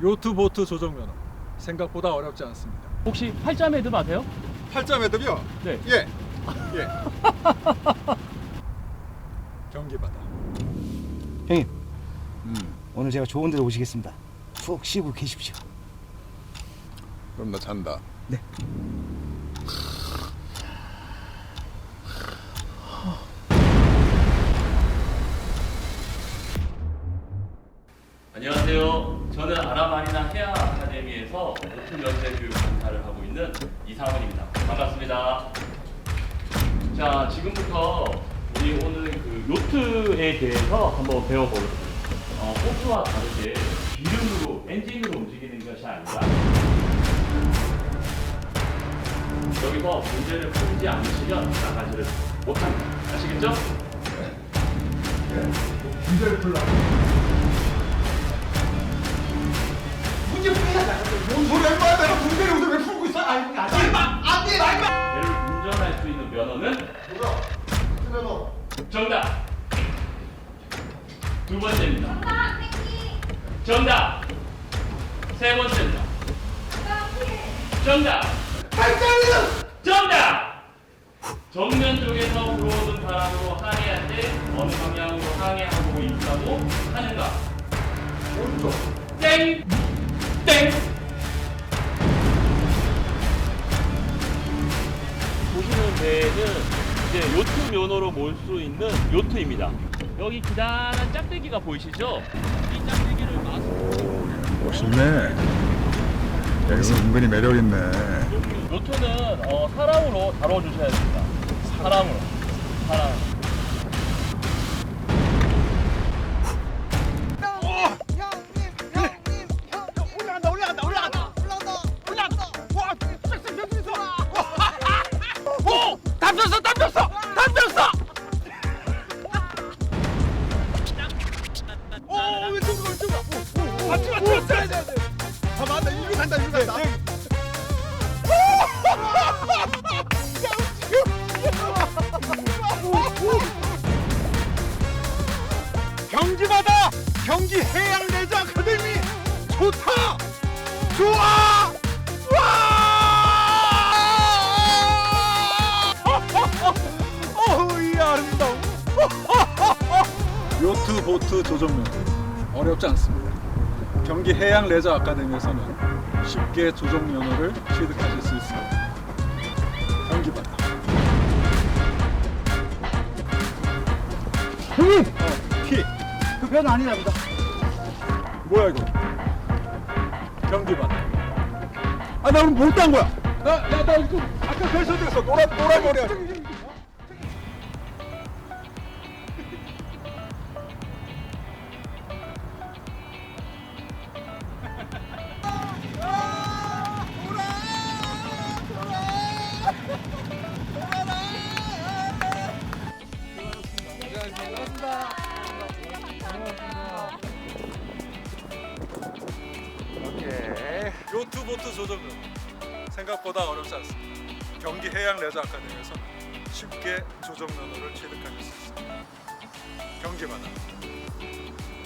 요트 보트 조정 면허 생각보다 어렵지 않습니다. 혹시 팔자 매듭 아세요? 팔자 매듭이요? 네. 예. 예. 경기바다. 형님, 오늘 제가 좋은 데로 오시겠습니다. 푹 쉬고 계십시오. 그럼 나 잔다. 네. 안녕하세요. 저는 아라마리나 해양 아카데미에서 오픈 연세 교육 강사를 하고 있는 이상훈입니다. 반갑습니다. 자, 지금부터 우리 오늘 그 요트에 대해서 한번 배워보겠습니다. 보트와 다르게 기름으로, 엔진으로 움직이는 것이 아니라 여기서 문제를 풀지 않으시면 나가지를 못합니다. 아시겠죠? 문제를 풀라. 문제 풀리잖아. 뭔 소리야 임마. 내가 문제를 여기서 왜 풀고 있어? 아니 임마. 안 돼. 나 임마. 배를 운전할 수 있는 면허는 뭐야? 면허. 정답. 두 번째입니다. 정답, 땡기. 정답. 세 번째입니다. 정답. 발전이는 정답. 정면 쪽에서 불어오는 바람으로 항해할 때 어느 방향으로 항해하고 있다고 하는가? 오른쪽. 땡. 땡. 보시는 배는 이제 요트 면허로 몰 수 있는 요트입니다. 여기 기다란 짝대기가 보이시죠? 이 짝대기를 멋있네. 여기서 은근히 매력 있네. 요트는 사랑으로 다뤄주셔야 됩니다. 사랑으로. 사랑. 경기바다 경기 해양 레저 아카데미 좋다. 좋아. 와. 어이 아름다워. 요트 보트 조정 면허 어렵지 않습니다. 경기 해양 레저 아카데미에서는 쉽게 조정 면허를 취득하실 수 있습니다. 경기바다. 형님, 키. 그 배는 아니랍니다. 뭐야 이거? 경기바다. 아, 나 오늘 못딴 거야. 나 이거 아까 결선에서 노란 머리야. 요트 보트 조정 면허 생각보다 어렵지 않습니다. 경기 해양 레저 아카데미에서는 쉽게 조정 면허를 취득하실 수 있습니다. 경기바다.